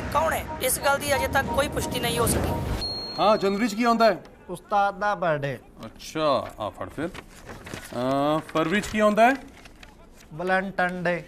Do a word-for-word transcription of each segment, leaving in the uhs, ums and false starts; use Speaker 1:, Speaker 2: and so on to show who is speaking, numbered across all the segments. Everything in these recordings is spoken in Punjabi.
Speaker 1: ਕੌਣ ਹੈ ਇਸ ਗੱਲ ਦੀ ਅਜੇ ਤੱਕ ਕੋਈ ਪੁਸ਼ਟੀ ਨਹੀਂ ਹੋ ਸਕੀ।
Speaker 2: ਹਾਂ ਜਨਵਰੀ ਚ ਕੀ ਆਉਂਦਾ ਹੈ?
Speaker 3: ਉਸਤਾਦ ਦਾ ਬਰਥਡੇ।
Speaker 2: ਅੱਛਾ ਆ ਫੜ ਫਿਰ। ਅਹ, ਫਰਵਰੀ ਚ ਕੀ ਆਉਂਦਾ ਹੈ?
Speaker 3: Valentine day.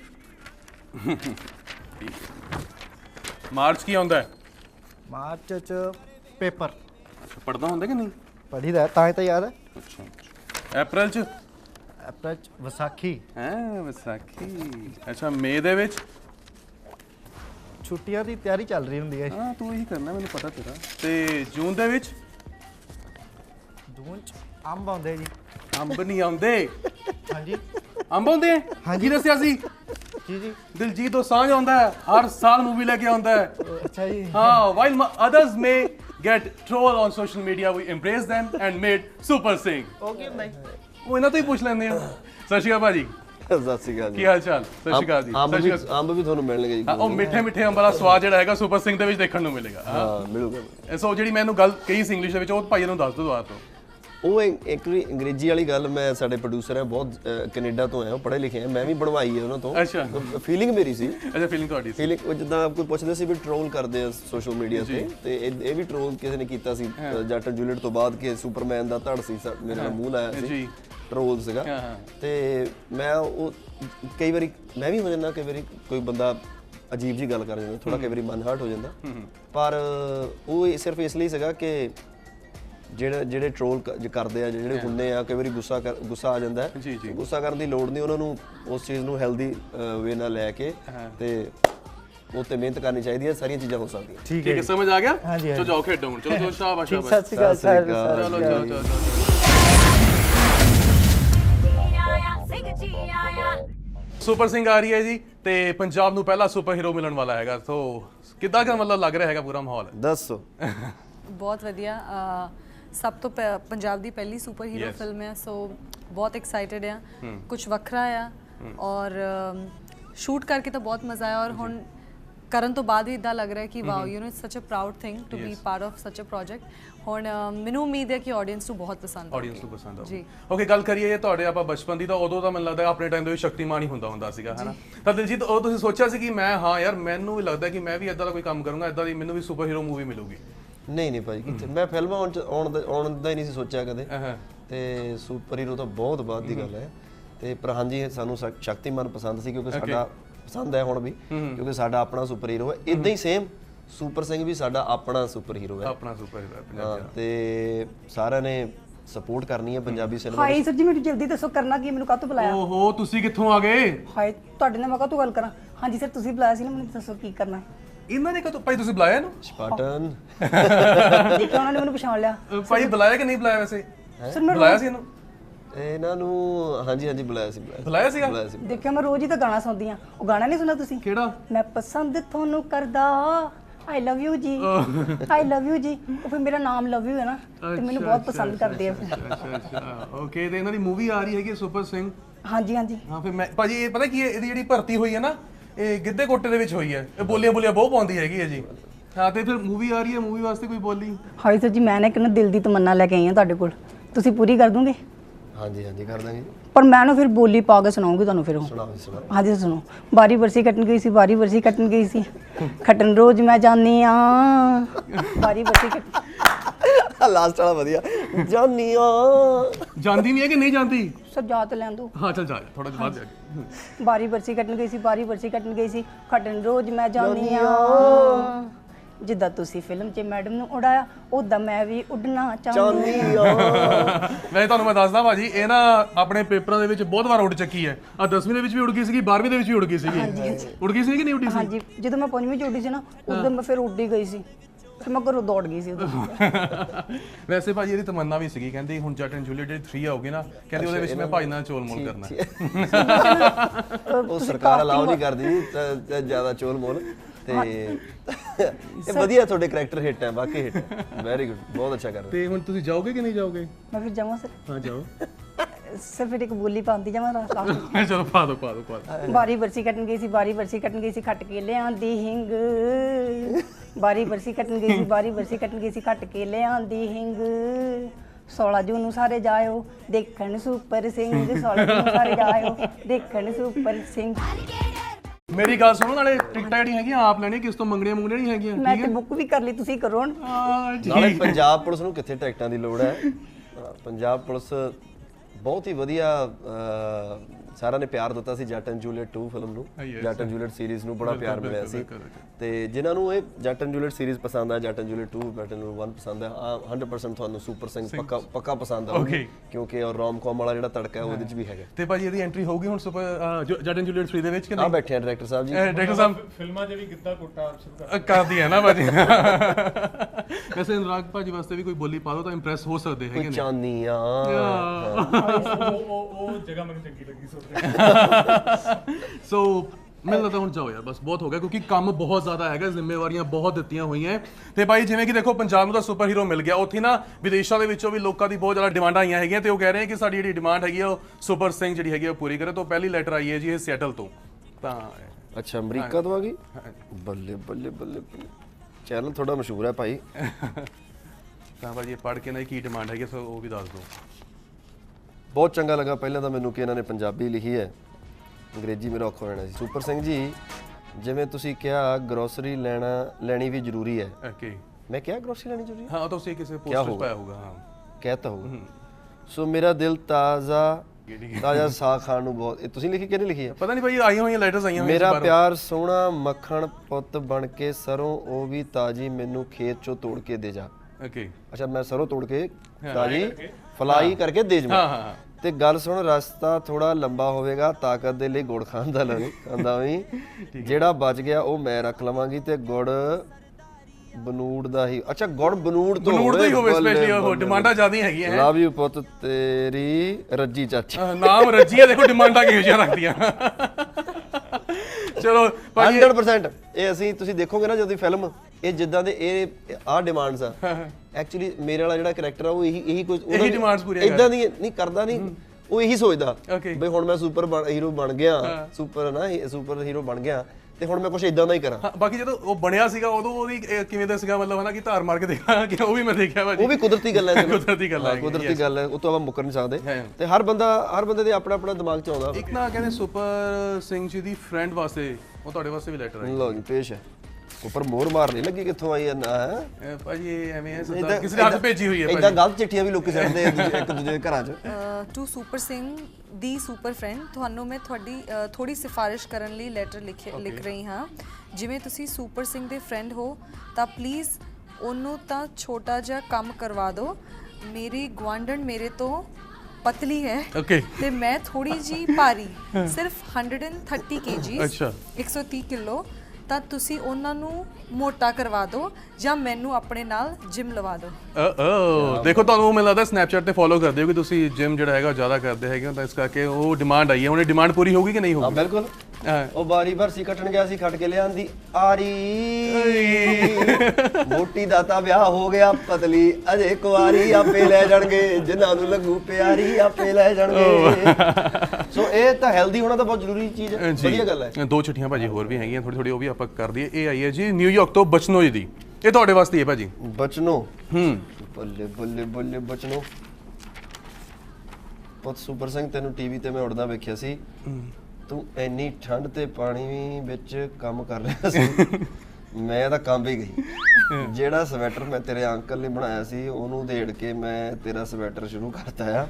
Speaker 2: ਮਾਰਚ ਕੀ ਆਉਂਦਾ ਹੈ?
Speaker 3: ਮਾਰਚ ਚ ਪੇਪਰ।
Speaker 2: ਅੱਛਾ ਪੜਦਾ ਹੁੰਦਾ ਕਿ ਨਹੀਂ?
Speaker 3: ਪੜ੍ਹੀਦਾ ਤਾਂ ਹੀ ਤਾਂ ਯਾਦ ਹੈ।
Speaker 2: ਅੱਛਾ ਅਪ੍ਰੈਲ ਚ?
Speaker 3: ਅਪ੍ਰੈਲ ਚ ਵਿਸਾਖੀ।
Speaker 2: ਹੈ ਵਿਸਾਖੀ। ਅੱਛਾ ਮਈ ਦੇ ਵਿੱਚ?
Speaker 3: ਛੁੱਟੀਆਂ ਦੀ ਤਿਆਰੀ ਚੱਲ ਰਹੀ ਹੁੰਦੀ ਹੈ।
Speaker 2: ਹਾਂ ਤੂੰ ਇਹੀ ਕਰਨਾ ਮੈਨੂੰ ਪਤਾ ਤੇਰਾ। ਤੇ ਜੂਨ ਦੇ ਵਿੱਚ?
Speaker 3: ਜੂਨ ਚ ਅੰਬ ਆਉਂਦੇ ਜੀ।
Speaker 2: ਅੰਬ ਨਹੀਂ ਆਉਂਦੇ।
Speaker 3: ਹਾਂਜੀ
Speaker 2: ਅੰਬ ਆਉਂਦੇ?
Speaker 3: ਹਾਂਜੀ।
Speaker 2: ਕੀ ਦੱਸਿਆ ਸੀ?
Speaker 3: ਜੀ ਜੀ।
Speaker 2: ਦਿਲਜੀਤ ਦੋਸਾਂਝ ਆਉਂਦਾ ਹੈ ਹਰ ਸਾਲ ਮੂਵੀ ਲੈ ਕੇ ਆਉਂਦਾ ਹੈ।
Speaker 3: ਅੱਛਾ ਜੀ।
Speaker 2: ਹਾਂ while others may get troll on social media we embrace them and made Super Singh।
Speaker 3: Okay ਹੁੰਦਾ ਜੀ।
Speaker 2: ਉਹ ਇਹਨਾਂ ਤੋਂ ਹੀ ਪੁੱਛ ਲੈਂਦੇ ਆ। ਸਤਿ ਸ਼੍ਰੀ ਅਕਾਲ ਭਾਜੀ।
Speaker 4: ਸਤਿ ਸ਼੍ਰੀ ਅਕਾਲ
Speaker 2: ਕੀ
Speaker 4: ਜੀ।
Speaker 2: ਹਾਲ ਚਾਲ? ਸਤਿ ਸ਼੍ਰੀ ਅਕਾਲ ਜੀ।
Speaker 4: ਅੰਬ
Speaker 2: ਸਤਿ ਸ਼੍ਰੀ
Speaker 4: ਵੀ
Speaker 2: ਅਕਾਲ।
Speaker 4: ਅੰਬ ਵੀ ਤੁਹਾਨੂੰ ਮਿਲਣਗੇ ਜੀ।
Speaker 2: ਹਾਂ, ਉਹ ਮਿੱਠੇ ਮਿੱਠੇ ਅੰਬਾਂ ਦਾ ਸਵਾਦ ਜਿਹੜਾ ਹੈਗਾ ਸੁਪਰ ਸਿੰਘ ਦੇ ਵਿੱਚ ਦੇਖਣ ਨੂੰ ਮਿਲੇਗਾ।
Speaker 4: ਹਾਂ ਮਿਲੂਗਾ।
Speaker 2: ਹਾਂ ਸੋ ਜਿਹੜੀ ਮੈਨੂੰ ਗੱਲ ਕਹੀ ਸੀ ਇੰਗਲਿਸ਼ ਦੇ ਵਿੱਚ ਉਹ ਭਾਈ ਨੂੰ ਦੱਸ ਦੋ ਦੁਬਾਰਾ ਤੋਂ।
Speaker 4: ਉਹ ਇੱਕ ਇੱਕ ਵਾਰੀ ਅੰਗਰੇਜ਼ੀ ਵਾਲੀ ਗੱਲ ਮੈਂ ਸਾਡੇ ਪ੍ਰੋਡਿਊਸਰ ਹੈ ਬਹੁਤ ਅਹ, ਕੈਨੇਡਾ ਤੋਂ ਆਏ ਉਹ ਪੜ੍ਹੇ ਲਿਖੇ ਆ ਮੈਂ ਵੀ ਬਣਵਾਈ ਹੈ ਉਹਨਾਂ ਤੋਂ।
Speaker 2: ਅੱਛਾ
Speaker 4: ਫੀਲਿੰਗ ਮੇਰੀ ਸੀ।
Speaker 2: ਅੱਛਾ ਫੀਲਿੰਗ ਤੁਹਾਡੀ ਸੀ।
Speaker 4: ਫੀਲਿੰਗ ਉਹ ਜਿੱਦਾਂ ਕੋਈ ਪੁੱਛਦੇ ਸੀ ਵੀ ਟ੍ਰੋਲ ਕਰਦੇ ਆ ਸੋਸ਼ਲ ਮੀਡੀਆ ਤੇ ਤੇ ਇਹ ਇਹ ਵੀ ਟ੍ਰੋਲ ਕਿਸੇ ਨੇ ਕੀਤਾ ਸੀ ਅਹ, ਜੱਟ ਐਂਡ ਜੂਲੀਅਟ ਤੋਂ ਬਾਅਦ ਕਿ ਸੁਪਰਮੈਨ ਦਾ ਧੜ ਸੀ ਸਾ- ਮੇਰੇ ਨਾਲ ਮੂੰਹ ਲਾਇਆ ਸੀ
Speaker 2: ਜੀ
Speaker 4: ਟ੍ਰੋਲ ਸੀਗਾ।
Speaker 2: ਹਾਂ, ਹਾਂ।
Speaker 4: ਤੇ ਮੈਂ ਉਹ ਕਈ ਵਾਰੀ ਮੈਂ ਵੀ ਹੋ ਜਾਂਦਾ ਕਈ ਵਾਰੀ ਕੋਈ ਬੰਦਾ ਅਜੀਬ ਜੀ ਗੱਲ ਕਰ ਜਾਂਦਾ ਥੋੜਾ ਕਈ ਵਾਰੀ ਮਨ ਹਰਟ ਹੋ ਜਾਂਦਾ ਪਰ ਉਹ ਸਿਰਫ ਇਸ ਲਈ ਸੀਗਾ ਕਿ ਜਿਹੜੇ ਜਿਹੜੇ ਟ੍ਰੋਲ ਕਰਦੇ ਆ ਜਿਹੜੇ ਹੁੰਦੇ ਆ ਕਈ ਵਾਰੀ ਗੁੱਸਾ ਕਰ- ਗੁੱਸਾ ਆ ਜਾਂਦਾ ਹੈ
Speaker 2: ਜੀ, ਜੀ।
Speaker 4: ਗੁੱਸਾ ਕਰਨ ਦੀ ਲੋੜ ਨਹੀਂ ਉਹਨਾਂ ਨੂੰ ਉਸ ਚੀਜ਼ ਨੂੰ ਹੈਲਦੀ ਵੇ ਨਾਲ ਲੈ ਕੇ ਤੇ ਉਹ ਤੇ ਮਿਹਨਤ ਕਰਨੀ ਚਾਹੀਦੀ ਹੈ ਸਾਰੀਆਂ ਚੀਜ਼ਾਂ ਹੋ ਸਕਦੀਆਂ।
Speaker 3: ਠੀਕ
Speaker 2: ਠੀਕ ਹੈ ਸਮਝ ਆ ਗਿਆ?
Speaker 3: ਹਾਂਜੀ,
Speaker 2: ਚਲੋ ਜਾਓ ਖੇਡੋ ਹੁਣ। ਚਲੋ ਚਲੋ ਸ਼ਾਬਾਸ਼ ਸ਼ਾਬਾਸ਼।
Speaker 3: ਸਤਿ ਸ਼੍ਰੀ ਅਕਾਲ
Speaker 4: ਸਤਿ ਸ਼੍ਰੀ
Speaker 3: ਸਰ।
Speaker 4: ਅਕਾਲ।
Speaker 2: ਚਲੋ ਚਲੋ ਚਲੋ ਚਲੋ। ਸੁਪਰ ਸਿੰਘ ਆ ਰਹੀ ਹੈ ਜੀ ਤੇ ਪੰਜਾਬ ਨੂੰ ਪਹਿਲਾ ਸੁਪਰ ਹੀਰੋ ਮਿਲਣ ਵਾਲਾ ਹੈਗਾ ਸੋ ਕਿੱਦਾਂ ਦਾ ਮਤਲਬ ਲੱਗ ਰਿਹਾ ਹੈਗਾ ਪੂਰਾ ਮਾਹੌਲ?
Speaker 4: ਦੱਸੋ।
Speaker 5: ਬਹੁਤ ਵਧੀਆ ਅਹ ਸਭ ਤੋਂ ਪ- ਪੰਜਾਬ ਦੀ ਪਹਿਲੀ ਸੁਪਰ ਹੀਰੋ
Speaker 2: Yes.
Speaker 5: ਫਿਲਮ ਹੈ ਸੋ ਬਹੁਤ ਐਕਸਾਈਟਿਡ ਆ ਕੁਝ ਵੱਖਰਾ ਆ ਔਰ ਸ਼ੂਟ ਕਰਕੇ ਤਾਂ ਬਹੁਤ ਮਜ਼ਾ ਆਇਆ ਔਰ ਹੁਣ ਕਰਨ ਤੋਂ ਬਾਅਦ ਵੀ ਇਦਾਂ ਲੱਗ ਰਿਹਾ ਕਿ wow you know it's such a proud thing to be part of such a project. ਹੁਣ ਅਹ, ਮੈਨੂੰ ਉਮੀਦ ਹੈ ਕਿ ਆਡੀਅנס ਨੂੰ ਬਹੁਤ ਪਸੰਦ
Speaker 2: ਆਡੀਅנס ਨੂੰ ਪਸੰਦ ਆਊ।
Speaker 5: ਜੀ।
Speaker 2: ਓਕੇ ਗੱਲ ਕਰੀਏ ਤੁਹਾਡੇ ਆਪਾਂ ਬਚਪਨ ਦੀ ਤਾਂ ਉਦੋਂ ਤਾਂ ਮੈਨੂੰ ਲੱਗਦਾ ਆਪਣੇ ਟਾਈਮ ਦੇ ਵਿੱਚ ਸ਼ਕਤੀਮਾਨ ਹੀ ਹੁੰਦਾ ਹੁੰਦਾ ਸੀਗਾ ਹਨਾ ਤਾਂ ਦਿਲਜੀਤ ਉਹ ਤੁਸੀਂ ਸੋਚਿਆ ਸੀ ਕਿ ਮੈਂ ਹਾਂ ਯਾਰ ਮੈਨੂੰ ਵੀ ਲੱਗਦਾ ਕਿ ਮੈਂ ਵੀ ਇਦਾਂ ਦਾ ਕੋਈ ਕੰਮ ਕਰੂੰਗਾ ਇਦਾਂ ਦੀ ਮੈਨੂੰ ਵੀ ਸੁਪਰ ਹੀਰੋ ਮੂਵੀ ਮਿਲੂਗੀ।
Speaker 4: ਨਹੀਂ ਨਹੀਂ ਭਾਜੀ ਕਿੱਥੇ ਮੈਂ ਫਿਲਮਾਂ ਆਉਣ ਚ ਆਉਣ ਦਾ ਆਉਣ ਦਾ ਹੀ ਨਹੀਂ ਸੀ ਸੋਚਿਆ ਕਦੇ
Speaker 2: ਹਾਂ
Speaker 4: ਤੇ ਸੁਪਰ ਹੀਰੋ ਤਾਂ ਬਹੁਤ ਬਾਅਦ ਦੀ ਗੱਲ ਹੈ ਤੇ ਪਰ ਹਾਂਜੀ ਸਾਨੂੰ ਸ਼ਕ- ਸ਼ਕਤੀਮਾਨ ਪਸੰਦ ਸੀ ਕਿਉਂਕਿ ਸਾਡਾ ਪਸੰਦ ਹੈ ਹੁਣ ਵੀ ਕਿਉਂਕਿ ਸਾਡਾ ਆਪਣਾ ਸੁਪਰ ਹੀਰੋ ਹੈ ਇਦਾਂ ਹੀ ਸੇਮ ਸੁਪਰ ਸਿੰਘ ਵੀ ਸਾਡਾ ਆਪਣਾ ਸੁਪਰ ਹੀਰੋ ਹੈ।
Speaker 2: ਆਪਣਾ ਸੁਪਰ ਹੀਰੋ ਹੈ
Speaker 4: ਹਾਂ,
Speaker 2: ਪੰਜਾਬੀ ਦਾ।
Speaker 4: ਤੇ ਸਾਰਿਆਂ ਨੇ ਸਪੋਰਟ ਕਰਨੀ ਹੈ ਪੰਜਾਬੀ ਸਿਨੇਮਾ
Speaker 6: ਹਾਏ ਸਰ ਜੀ ਮੈਨੂੰ ਜਲਦੀ ਦੱਸੋ ਕਰਨਾ ਕੀ ਮੈਨੂੰ ਕਾਹਤੋਂ ਬੁਲਾਇਆ?
Speaker 2: ਓਹੋ ਤੁਸੀਂ ਕਿੱਥੋਂ ਆ ਗਏ?
Speaker 6: ਹਾਏ ਤੁਹਾਡੇ ਨਾਲ ਮੈਂ ਕਾਹਤੋਂ ਗੱਲ ਕਰਾਂ? ਹਾਂਜੀ ਸਰ ਤੁਸੀਂ ਬੁਲਾਇਆ ਸੀ ਨਾ ਮੈਨੂੰ ਦੱਸੋ ਕੀ ਕਰਨਾ ਹੈ?
Speaker 2: ਇਹਨਾਂ ਨੇ ਕਦੋਂ ਭਾਈ ਤੁਸੀਂ ਬੁਲਾਇਆ ਇਹਨੂੰ?
Speaker 4: ਸਪਾਟਨ
Speaker 6: ਦੇਖਿਆ ਉਹਨਾਂ ਨੇ ਮੈਨੂੰ ਪਛਾਣ ਲਿਆ।
Speaker 2: ਅ, ਭਾਈ ਬੁਲਾਇਆ ਕਿ ਨਹੀਂ ਬੁਲਾਇਆ ਵੈਸੇ?
Speaker 6: ਸਰ ਮੈਂ
Speaker 2: ਬੁਲਾਇਆ ਸੀ ਇਹਨੂੰ?
Speaker 4: ਇਹਨਾਂ ਨੂੰ ਹਾਂਜੀ ਹਾਂਜੀ ਬੁਲਾਇਆ ਸੀ ਬੁਲਾਇਆ
Speaker 2: ਬੁਲਾਇਆ ਸੀਗਾ?
Speaker 4: ਬੁਲਾਇਆ ਸੀ
Speaker 6: ਦੇਖਿਆ ਮੈਂ ਰੋਜ਼ ਹੀ ਤਾਂ ਗਾਣਾ ਸੁਣਦੀ ਆ ਉਹ ਗਾਣਾ ਨਹੀਂ ਸੁਣਾ ਤੁਸੀਂ?
Speaker 2: ਕਿਹੜਾ?
Speaker 6: ਮੈਂ ਪਸੰਦ ਤੁਹਾਨੂੰ ਕਰਦਾ ਆਈ ਲਵ ਯੂ ਜੀ ਆਈ ਲਵ ਯੂ ਜੀ ਉਹ ਫਿਰ ਮੇਰਾ ਨਾਮ ਲਵ ਯੂ ਹੈ ਨਾ ਤੇ ਮੈਨੂੰ ਬਹੁਤ ਪਸੰਦ ਕਰਦੇ ਆ।
Speaker 2: ਅੱਛਾ ਅੱਛਾ ਓਕੇ ਤੇ ਇਹਨਾਂ ਦੀ ਮੂਵੀ ਆ ਰਹੀ ਹੈਗੀ ਸੁਪਰ ਸਿੰਘ।
Speaker 6: ਹਾਂਜੀ ਹਾਂਜੀ
Speaker 2: ਹਾਂ ਫਿਰ ਮੈਂ ਭਾਜੀ ਇਹ ਪਤਾ ਕੀ ਹੈ ਇਹਦੀ ਜਿਹੜੀ ਭਰਤੀ ਹੋਈ ਹੈ ਨਾ ਇਹ ਗਿੱਧੇ ਕੋਟੇ ਦੇ ਵਿੱਚ ਹੋਈ ਹੈ ਇਹ ਬੋਲੀਆਂ ਬੋਲੀਆਂ ਬਹੁਤ ਪਾਉਂਦੀ ਹੈਗੀ ਹੈ ਜੀ। ਹਾਂ ਤੇ ਫਿਰ ਮੂਵੀ ਆ ਰਹੀ ਹੈ ਮੂਵੀ ਵਾਸਤੇ ਕੋਈ ਬੋਲੀ?
Speaker 6: ਹਾਏ ਸਰ ਜੀ ਮੈਂ ਨਾ ਇੱਕ ਨਾ ਦਿਲ ਦੀ ਤਮੰਨਾ ਲੈ ਕੇ ਆਈ ਹਾਂ ਤੁਹਾਡੇ ਕੋਲ ਤੁਸੀਂ ਪੂਰੀ ਕਰ ਦੋਗੇ?
Speaker 4: ਹਾਂਜੀ ਹਾਂਜੀ ਕਰ ਦਾਂਗੇ
Speaker 6: ਪਰ ਮੈਂ ਨਾ ਫਿਰ ਬੋਲੀ ਪਾ ਕੇ ਸੁਣਾਉਂਗੀ ਤੁਹਾਨੂੰ ਫਿਰ ਉਹ।
Speaker 4: ਸੁਣਾਓ ਸੁਣਾਓ
Speaker 6: ਹਾਂਜੀ ਸੁਣੋ ਬਾਰੀ ਬਰਸੀ ਕੱਟਣ ਗਈ ਸੀ ਬਾਰੀ ਬਰਸੀ ਕੱਟਣ ਗਈ ਸੀ ਖੱਟਣ ਰੋਜ਼ ਮੈਂ ਜਾਂਦੀ ਆ ਬਾਰੀ ਬਰਸੀ ਕੱਟ
Speaker 4: ਲਾਸਟ ਵਾਲਾ ਵਧੀਆ ਜਾਨੀਆਂ
Speaker 2: ਜਾਂਦੀ ਨਹੀਂ ਹੈ ਕਿ ਨਹੀਂ ਜਾਂਦੀ?
Speaker 6: ਸਰ ਜਾ ਤੇ ਲੈਣ ਦੋ।
Speaker 2: ਹਾਂ ਚਲ ਜਾ ਥੋੜਾ ਜਿਹਾ ਬਾਅਦ ਜਾ ਕੇ।
Speaker 6: ਬਾਰੀ ਬਰਸੀ ਕੱਟਣ ਗਈ ਸੀ ਬਾਰੀ ਬਰਸੀ ਕੱਟਣ ਗਈ ਸੀ ਖੱਟਣ ਰੋਜ਼ ਮੈਂ ਜਾਂਦੀ ਆ ਜਿੱਦਾਂ ਤੁਸੀਂ ਫਿਲਮ 'ਚ ਮੈਡਮ ਨੂੰ ਉਡਾਇਆ ਉਦਾਂ ਮੈਂ ਵੀ ਉੱਡਣਾ ਚਾਹੁੰਦੀ ਆ।
Speaker 4: ਜਾਨੀਆਂ
Speaker 2: ਵੈਸੇ ਤੁਹਾਨੂੰ ਮੈਂ ਦੱਸਦਾ ਭਾਜੀ ਇਹ ਨਾ ਆਪਣੇ ਪੇਪਰਾਂ ਦੇ ਵਿੱਚ ਬਹੁਤ ਵਾਰ ਉੱਡ ਚੱਕੀ ਹੈ ਆ ਦਸਵੀਂ ਦੇ ਵਿੱਚ ਵੀ ਉੱਡ ਗਈ ਸੀਗੀ ਬਾਰਵੀਂ ਦੇ ਵਿੱਚ ਵੀ ਉੱਡ ਗਈ ਸੀਗੀ ਉੱਡ ਗਈ ਸੀ ਕਿ ਨਹੀਂ ਉੱਡੀ ਸੀ?
Speaker 6: ਹਾਂਜੀ ਜਦੋਂ ਮੈਂ ਪੰਜਵੀਂ 'ਚ ਉੱਡੀ ਸੀ ਨਾ ਉਦੋਂ ਮੈਂ ਫਿਰ ਉੱਡ ਹੀ ਗਈ ਸੀ ਫਿਰ ਮੈਂ ਘਰੋਂ ਦੌੜ ਗਈ ਸੀ ਉਦੋਂ।
Speaker 2: ਵੈਸੇ ਭਾਜੀ ਇਹਦੀ ਤਮੰਨਾ ਵੀ ਸੀਗੀ ਕਹਿੰਦੀ ਹੁਣ ਜੱਟ ਐਂਡ ਜੂਲੀਅਟ ਜਿਹੜੀ ਥ੍ਰੀ ਆਉਗੀ ਨਾ ਕਹਿੰਦੀ ਉਹਦੇ ਵਿੱਚ ਮੈਂ ਭਾਈ ਨਾਲ ਚੋਲ ਮੋਲ ਕਰਨਾ ਹੈ।
Speaker 4: ਉਹ ਸਰਕਾਰ ਅਲਾਉ ਨਹੀਂ ਕਰਦੀ ਤਾਂ- ਤਾਂ ਜ਼ਿਆਦਾ ਚੋਲ ਮੋਲ ਤੇ ਇਹ ਵਧੀਆ ਤੁਹਾਡੇ ਕਰੈਕਟਰ ਹਿੱਟ ਹੈ ਵਾਕਈ ਹਿੱਟ ਵੈਰੀ ਗੁੱਡ ਬਹੁਤ ਅੱਛਾ ਕਰ ਰਹੇ
Speaker 2: ਤੇ ਹੁਣ ਤੁਸੀਂ ਜਾਓਗੇ ਕਿ ਨਹੀਂ ਜਾਓਗੇ?
Speaker 6: ਮੈਂ ਫਿਰ ਜਾਵਾਂ ਸਰ
Speaker 2: ਹਾਂ ਜਾਓ।
Speaker 6: ਸਰ ਫਿਰ ਇੱਕ ਬੋਲੀ ਪਾਉਂਦੀ ਜਾਵਾਂ ਲਾਸਟ
Speaker 2: ਚਲੋ ਪਾ ਦੋ ਪਾ ਦੋ ਪਾ ਦੋ।
Speaker 6: ਬਾਰੀ ਬਰਸੀ ਕੱਟਣ ਗਈ ਸੀ ਬਾਰੀ ਬਰਸੀ ਕੱਟਣ ਗਈ ਸੀ ਖੱਟ ਕੇ ਲਿਆਂਦੀ ਹਿੰਗ ਬਾਰੀ ਬਰਸੀ ਕੱਟਣ ਗਈ ਸੀ ਬਾਰੀ ਬਰਸੀ ਕੱਟਣ ਗਈ ਸੀ ਖੱਟ ਕੇ ਲਿਆਂਦੀ ਹਿੰਗ ਸੋਲਾਂ ਜੂਨ ਨੂੰ ਸਾਰੇ ਜਾਇਓ ਦੇਖਣ ਸੁਪਰ ਸਿੰਘ ਸੋਲਾਂ ਜੂਨ ਨੂੰ ਸਾਰੇ ਜਾਇਓ ਦੇਖਣ ਸੁਪਰ ਸਿੰਘ।
Speaker 2: ਮੇਰੀ ਗੱਲ ਸੁਣੋ, ਨਾਲੇ ਟਿਕਟਾਂ ਜਿਹੜੀਆਂ ਹੈਗੀਆਂ ਆਪ ਲੈਣੀਆਂ, ਕਿਸ ਤੋਂ ਮੰਗਣੀਆਂ ਮੰਗਣੀਆਂ ਨਹੀਂ ਹੈਗੀਆਂ।
Speaker 6: ਮੈਂ ਤੇ ਬੁੱਕ ਵੀ ਕਰ ਲਈ, ਤੁਸੀਂ ਕਰੋ ਹੁਣ।
Speaker 2: ਹਾਂ
Speaker 4: ਨਾਲੇ ਪੰਜਾਬ ਪੁਲਿਸ ਨੂੰ ਕਿੱਥੇ ਟਿਕਟਾਂ ਦੀ ਲੋੜ ਹੈ। ਅਹ ਪੰਜਾਬ ਪੁਲਿਸ ਬਹੁਤ ਹੀ ਵਧੀਆ, ਅਹ, ਸਾਰਿਆਂ ਨੇ ਪਿਆਰ ਦਿੱਤਾ ਸੀ ਜੱਟ ਐਂਡ ਜੂਲੀਅਟ ਟੂ ਫਿਲਮ ਨੂੰ, ਜੱਟ ਐਂਡ ਜੂਲੀਅਟ ਸੀਰੀਜ਼ ਨੂੰ ਬੜਾ ਪਿਆਰ ਮਿਲਿਆ ਸੀ। ਤੇ ਜਿਨ੍ਹਾਂ ਨੂੰ ਇਹ ਜੱਟ ਐਂਡ ਜੂਲੀਅਟ ਸੀਰੀਜ਼ ਪਸੰਦ ਆ, Jatt and Juliet two, Jatt and one ਪਸੰਦ ਆ, ਹੰਡਰਡ ਪਰਸੈਂਟ ਤੁਹਾਨੂੰ ਸੁਪਰ ਸਿੰਘ ਪੱਕਾ ਪੱਕਾ ਪਸੰਦ ਆਊਗੀ, ਕਿਉਂਕਿ ਉਹ ਰੋਮ ਕਾਮ ਵਾਲਾ ਜਿਹੜਾ ਤੜਕਾ ਹੈ ਉਹਦੇ ਚ ਵੀ ਹੈਗਾ।
Speaker 2: ਤੇ ਭਾਜੀ ਇਹਦੀ ਐਂਟਰੀ ਹੋਊਗੀ ਹੁਣ ਸੁਪਰ ਜੱਟ ਐਂਡ ਜੂਲੀਅਟ ਥ੍ਰੀ ਦੇ ਵਿੱਚ ਕਿ
Speaker 4: ਆ
Speaker 2: ਨਹੀਂ?
Speaker 4: ਬੈਠੇ ਆ ਡਾਇਰੈਕਟਰ ਸਾਹਿਬ ਜੀ।
Speaker 2: ਡਾਇਰੈਕਟਰ ਸਾਹਿਬ
Speaker 7: ਫਿਲਮਾਂ 'ਚ ਵੀ ਗਿੱਧਾ ਕੋਟਾ ਸ਼ੁਰੂ ਕਰ
Speaker 2: ਕਰਦੀ ਹੈ ਨਾ ਭਾਜੀ। ਵੈਸੇ ਅਨੁਰਾਗ ਭਾਜੀ ਵਾਸਤੇ ਵੀ ਕੋਈ ਬੋਲੀ ਪਾ ਦੋ ਤਾਂ ਇੰਪ੍ਰੈਸ ਹੋ ਸਕਦੇ ਹੈਗੇ ਨੇ।
Speaker 4: ਚਾਨੀਆਂ
Speaker 7: ਉਹ ਉਹ ਜਗ੍ਹਾ ਮੈਨੂੰ ਚੰਗੀ ਲੱਗੀ ਸੋਚ
Speaker 2: ਸੋ ਮੈਨੂੰ ਲੱਗਦਾ ਹੁਣ ਜਾਓ ਯਾਰ, ਬਸ ਬਹੁਤ ਹੋ ਗਿਆ, ਕਿਉਂਕਿ ਕੰਮ ਬਹੁਤ ਜ਼ਿਆਦਾ ਹੈਗਾ, ਜ਼ਿੰਮੇਵਾਰੀਆਂ ਬਹੁਤ ਦਿੱਤੀਆਂ ਹੋਈਆਂ। ਤੇ ਭਾਈ ਜਿਵੇਂ ਕਿ ਦੇਖੋ ਪੰਜਾਬ ਨੂੰ ਤਾਂ ਸੁਪਰ ਹੀਰੋ ਮਿਲ ਗਿਆ, ਉੱਥੇ ਨਾ ਵਿਦੇਸ਼ਾਂ ਦੇ ਵਿੱਚੋਂ ਵੀ ਲੋਕਾਂ ਦੀ ਬਹੁਤ ਜ਼ਿਆਦਾ ਡਿਮਾਂਡਾਂ ਆਈਆਂ ਹੈਗੀਆਂ ਤੇ ਉਹ ਕਹਿ ਰਹੇ ਕਿ ਸਾਡੀ ਜਿਹੜੀ ਡਿਮਾਂਡ ਹੈਗੀ ਆ ਉਹ ਸੁਪਰ ਸਿੰਘ ਜਿਹੜੀ ਹੈਗੀ ਉਹ ਪੂਰੀ ਕਰੇ। ਤੋਂ ਪਹਿਲੀ ਲੈਟਰ ਆਈ ਹੈ ਜੀ ਇਹ ਸੀਐਟਲ ਤੋਂ। ਤਾਂ
Speaker 4: ਅੱਛਾ, ਅਮਰੀਕਾ ਤੋਂ ਆ ਗਈ। ਬੱਲੇ ਬੱਲੇ ਬੱਲੇ ਬੱਲੇ, ਚੈਨਲ ਥੋੜਾ ਮਸ਼ਹੂਰ ਹੈ ਭਾਈ।
Speaker 2: ਤਾਂ ਭਾਜੀ ਪੜ੍ਹ ਕੇ ਨਾ ਕੀ ਡਿਮਾਂਡ ਹੈਗੀ ਸੋ ਉਹ ਵੀ ਦੱਸ ਦਿਓ।
Speaker 4: ਬਹੁਤ ਚੰਗਾ ਲੱਗਾ ਪਹਿਲਾਂ ਤਾਂ ਮੈਨੂੰ ਕਿ ਇਹਨਾਂ ਨੇ ਪੰਜਾਬੀ ਲਿਖੀ ਹੈ, ਅੰਗਰੇਜ਼ੀ ਮੇਰਾ ਔਖਾ ਹੋ ਜਾਣਾ ਸੀ। ਸੁਪਰ ਸਿੰਘ ਜੀ, ਜਿਵੇਂ ਤੁਸੀਂ ਕਿਹਾ ਗਰੋਸਰੀ ਲੈਣਾ ਲੈਣੀ ਵੀ ਜ਼ਰੂਰੀ ਹੈ।
Speaker 2: ਓਕੇ,
Speaker 4: ਮੈਂ ਕਿਹਾ ਗਰੋਸਰੀ ਲੈਣੀ ਜ਼ਰੂਰੀ ਹੈ?
Speaker 2: ਹਾਂ ਤੁਸੀਂ ਕਿਸੇ ਪੋਸਟ 'ਚ ਪਾਇਆ ਹੋਊਗਾ। ਹਾਂ
Speaker 4: ਕਹਿਤਾ ਹੋਊਗਾ। ਸੋ ਮੇਰਾ ਦਿਲ ਤਾਜ਼ਾ ਤਾਜ਼ਾ ਸਾਗ ਖਾਣ ਨੂੰ ਬਹੁਤ। ਇਹ ਤੁਸੀਂ ਲਿਖੀ ਕਿ ਨਹੀਂ ਲਿਖੀ ਹੈ?
Speaker 2: ਪਤਾ ਨਹੀਂ ਭਾਈ, ਆਈਆਂ ਹੋਈਆਂ ਲੈਟਰਸ ਆਈਆਂ ਹੋਈਆਂ।
Speaker 4: ਮੇਰਾ ਪਿਆਰ ਸੋਹਣਾ ਮੱਖਣ ਪੁੱਤ ਬਣ ਕੇ ਸਰੋਂ ਉਹ ਵੀ ਤਾਜੀ ਮੈਨੂੰ ਖੇਤ ਚੋਂ ਤੋੜ ਕੇ ਦੇ ਜਾ।
Speaker 2: ਓਕੇ,
Speaker 4: ਅੱਛਾ, ਮੈਂ ਸਰੋਂ ਤੋੜ ਕੇ ਤਾਜੀ ਫਲਾਈ ਕਰਕੇ ਦੇ ਜਾਵਾਂ।
Speaker 2: ਹਾਂ ਹਾਂ।
Speaker 4: ਤੇ ਗੱਲ ਸੁਣ, ਰਸਤਾ ਥੋੜਾ ਲੰਬਾ ਹੋਵੇਗਾ, ਤਾਕਤ ਦੇ ਲਈ ਗੁੜ ਖਾਣ ਦਾ ਲਵੇ ਖਾਂਦਾ ਵੀ, ਜਿਹੜਾ ਬਚ ਗਿਆ ਉਹ ਮੈਂ ਰੱਖ ਲਵਾਂਗੀ ਤੇ ਗੁੜ ਬਨੂੜ ਦਾ ਹੀ। ਅੱਛਾ, ਗੁੜ ਬਨੂੜ ਤੋਂ
Speaker 2: ਬਨੂੜ ਦਾ ਹੀ ਹੋਵੇ ਸਪੈਸ਼ਲੀ, ਉਹ ਡਿਮਾਂਡਾਂ ਜ਼ਿਆਦਾ ਹੈਗੀਆਂ।
Speaker 4: ਲਵ ਯੂ ਪੁੱਤ ਤੇਰੀ ਰੱਜੀ ਚਾਚੀ।
Speaker 2: ਨਾਮ ਰੱਜੀ ਹੈ, ਦੇਖੋ ਡਿਮਾਂਡਾਂ ਕਿਹੋ ਜਿਹੀਆਂ ਰੱਖਦੀਆਂ। ਚਲੋ ਭਾਜੀ
Speaker 4: ਹੰਡਰਡ ਪਰਸੈਂਟ ਇਹ ਅਸੀਂ ਤੁਸੀਂ ਦੇਖੋਗੇ ਨਾ ਜਦੋਂ ਫਿਲਮ, ਇਹ ਜਿੱਦਾਂ ਦੇ ਇਹ ਆਹ ਡਿਮਾਂਡਸ ਆ, ਐਕਚੁਅਲੀ ਮੇਰੇ ਵਾਲਾ ਜਿਹੜਾ ਕੈਰੈਕਟਰ ਆ ਉਹ ਇਹੀ ਇਹੀ ਕੁਝ
Speaker 2: ਇਹੀ ਡਿਮਾਂਡਸ ਪੂਰੀਆਂ
Speaker 4: ਇਦਾਂ ਦੀ ਨਹੀਂ ਕਰਦਾ, ਨਹੀਂ ਉਹ ਇਹੀ ਸੋਚਦਾ
Speaker 2: Okay.
Speaker 4: ਬਈ ਹੁਣ ਮੈਂ ਸੁਪਰ ਹੀਰੋ ਬਣ ਗਿਆ, ਸੁਪਰ ਨਾ ਸੁਪਰ ਹੀਰੋ ਬਣ ਗਿਆ ਤੇ ਹੁਣ ਮੈਂ ਕੁਝ ਇਦਾਂ ਦਾ ਹੀ ਕਰਾਂ।
Speaker 2: ਹਾਂ, ਬਾਕੀ ਜਦੋਂ ਉਹ ਬਣਿਆ ਸੀਗਾ ਉਦੋਂ ਉਹਦੀ ਇਹ ਕਿਵੇਂ ਦਾ ਸੀਗਾ, ਮਤਲਬ ਹਨਾ ਕਿ ਧਾਰ ਮਾਰ ਕੇ ਦੇਖਿਆ ਕਿ ਉਹ ਵੀ ਮੈਂ ਦੇਖਿਆ ਭਾਜੀ।
Speaker 4: ਉਹ ਵੀ ਕੁਦਰਤੀ ਗੱਲ ਹੈ,
Speaker 2: ਕੁਦਰਤੀ ਗੱਲ ਹੈ,
Speaker 4: ਕੁਦਰਤੀ ਗੱਲ ਹੈ, ਉਹ ਤੋਂ ਆਪਾਂ ਮੁੱਕਰ ਨਹੀਂ ਸਕਦੇ। ਤੇ ਹਰ ਬੰਦਾ ਹਰ ਬੰਦੇ ਦੇ ਆਪਣਾ ਆਪਣਾ ਦਿਮਾਗ ਚ ਆਉਂਦਾ।
Speaker 2: ਇੱਕ ਨਾ ਕਹਿੰਦੇ ਸੁਪਰ ਸਿੰਘ ਜੀ ਦੀ ਫਰੈਂਡ ਵਾਸਤੇ ਉਹ ਤੁਹਾਡੇ ਵਾਸਤੇ ਵੀ ਲੈਟਰ ਆਈ।
Speaker 4: ਲਓ ਜੀ ਪੇਸ਼ ਹੈ। ਉੱਪਰ ਮੋਹਰ ਮਾਰ ਨਹੀਂ ਲੱਗੀ, ਕਿੱਥੋਂ ਆਈ ਹੈ ਨਾ ਹੈ
Speaker 2: ਇਹ ਭਾਜੀ ਇਹ ਐਵੇਂ ਹੈ ਸਿੱਧਾ ਕਿਸੇ ਦੇ ਹੱਥ ਭੇਜੀ ਹੋਈ ਹੈ
Speaker 4: ਇਦਾਂ
Speaker 2: ਭਾਜੀ।
Speaker 4: ਗਲਤ ਚਿੱਠੀਆਂ ਵੀ ਲੋਕੀ ਸੱਟਦੇ ਆ ਦੂਜੇ ਇੱਕ ਦੂਜੇ ਦੇ ਘਰਾਂ 'ਚ।
Speaker 5: ਟੂ ਸੁਪਰ ਸਿੰਘ ਦੀ ਸੁਪਰ ਫਰੈਂਡ, ਤੁਹਾਨੂੰ ਮੈਂ ਤੁਹਾਡੀ ਅ, ਥੋੜੀ ਸਿਫਾਰਿਸ਼ ਕਰਨ ਲਈ ਲੈਟਰ ਲਿਖ ਲਿਖ ਰਹੀ ਹਾਂ। ਜਿਵੇਂ ਤੁਸੀਂ ਸੁਪਰ ਸਿੰਘ ਦੇ ਫਰੈਂਡ ਹੋ ਤਾਂ ਪਲੀਜ਼ ਉਹਨੂੰ ਤਾਂ ਛੋਟਾ ਜਿਹਾ ਕੰਮ ਕਰਵਾ ਦਿਓ। ਮੇਰੀ ਗੁਆਂਢਣ ਮੇਰੇ ਤੋਂ ਪਤਲੀ ਹੈ
Speaker 2: ਓਕੇ,
Speaker 5: ਤੇ ਮੈਂ ਥੋੜੀ ਜੀ ਭਾਰੀ, ਸਿਰਫ one hundred thirty kgs,
Speaker 2: ਅੱਛਾ।
Speaker 5: one hundred thirty ਕਿਲੋ, ਤਾਂ ਤੁਸੀਂ ਉਹਨਾਂ ਨੂੰ ਮੋਟਾ ਕਰਵਾ ਦਿਓ ਜਾਂ ਮੈਨੂੰ ਆਪਣੇ ਨਾਲ ਜਿਮ ਲਵਾ ਦਿਓ।
Speaker 2: ਓ ਦੇਖੋ, ਤੁਹਾਨੂੰ ਮੈਨੂੰ ਲੱਗਦਾ ਸਨੈਪਚੈਟ ਤੇ ਫੋਲੋ ਕਰਦੇ ਹੋ ਕਿ ਤੁਸੀਂ ਜਿਮ ਜਿਹੜਾ ਹੈਗਾ ਜ਼ਿਆਦਾ ਕਰਦੇ ਹੈਗੇ, ਤਾਂ ਇਸ ਕਰਕੇ ਉਹ ਡਿਮਾਂਡ ਆਈ ਹੈ। ਹੁਣ ਇਹ ਡਿਮਾਂਡ ਪੂਰੀ ਹੋਊਗੀ ਕਿ ਨਹੀਂ
Speaker 4: ਹਾਂ
Speaker 2: ਹੋਊਗੀ?
Speaker 4: ਬਿਲਕੁਲ। ਉਹ ਬਾਰੀ ਬਰਸੀ ਕੱਟਣ ਗਿਆ ਸੀ, ਖੱਟ ਕੇ ਲਿਆਂਦੀ ਆਰੀ, ਮੋਟੀ ਦਾ ਤਾਂ ਵਿਆਹ ਹੋ ਗਿਆ, ਪਤਲੀ ਅਜੇ ਕੁਆਰੀ, ਆਪੇ ਲੈ ਜਾਣਗੇ ਜਿਨ੍ਹਾਂ ਨੂੰ ਲੱਗੂ ਪਿਆਰੀ, ਆਪੇ ਲੈ ਜਾਣਗੇ। ਸੋ ਇਹ ਤਾਂ ਹੈਲਦੀ ਹੋਣਾ ਤਾਂ ਬਹੁਤ ਜ਼ਰੂਰੀ ਚੀਜ਼ ਹੈ, ਵਧੀਆ ਗੱਲ ਹੈ।
Speaker 2: ਦੋ ਚਿੱਠੀਆਂ ਭਾਜੀ ਹੋਰ ਵੀ ਹੈਗੀਆਂ, ਥੋੜੀ ਥੋੜੀ ਉਹ ਵੀ ਆਪਾਂ ਕਰ ਦਈਏ। ਇਹ ਆਈ ਹੈ ਜੀ ਨਿਊਯਾਰਕ ਤੋਂ ਬਚਨੋ ਜੀ ਦੀ, ਇਹ ਤੁਹਾਡੇ ਵਾਸਤੇ ਹੈ ਭਾਜੀ।
Speaker 4: ਬਚਨੋ,
Speaker 2: ਹੂੰ,
Speaker 4: ਬੱਲੇ ਬੱਲੇ ਬੱਲੇ ਬਚਨੋ। ਪੁੱਤ ਸੁਪਰ ਸਿੰਘ, ਤੈਨੂੰ ਟੀਵੀ ਤੇ ਮੈਂ ਉੜਦਾ ਵੇਖਿਆ ਸੀ, ਤੂੰ ਇੰਨੀ ਠੰਡ ਤੇ ਪਾਣੀ ਵਿੱਚ ਕੰਮ ਕਰ ਰਿਹਾ ਸੀ, ਮੈਂ ਤਾਂ ਕੰਬ ਹੀ ਗਈ। ਜਿਹੜਾ ਸਵੈਟਰ ਮੈਂ ਤੇਰੇ ਅੰਕਲ ਨੇ ਬਣਾਇਆ ਸੀ ਉਹਨੂੰ ਦੇੜ ਕੇ ਮੈਂ ਤੇਰਾ ਸਵੈਟਰ ਸ਼ੁਰੂ ਕਰਤਾ ਆ।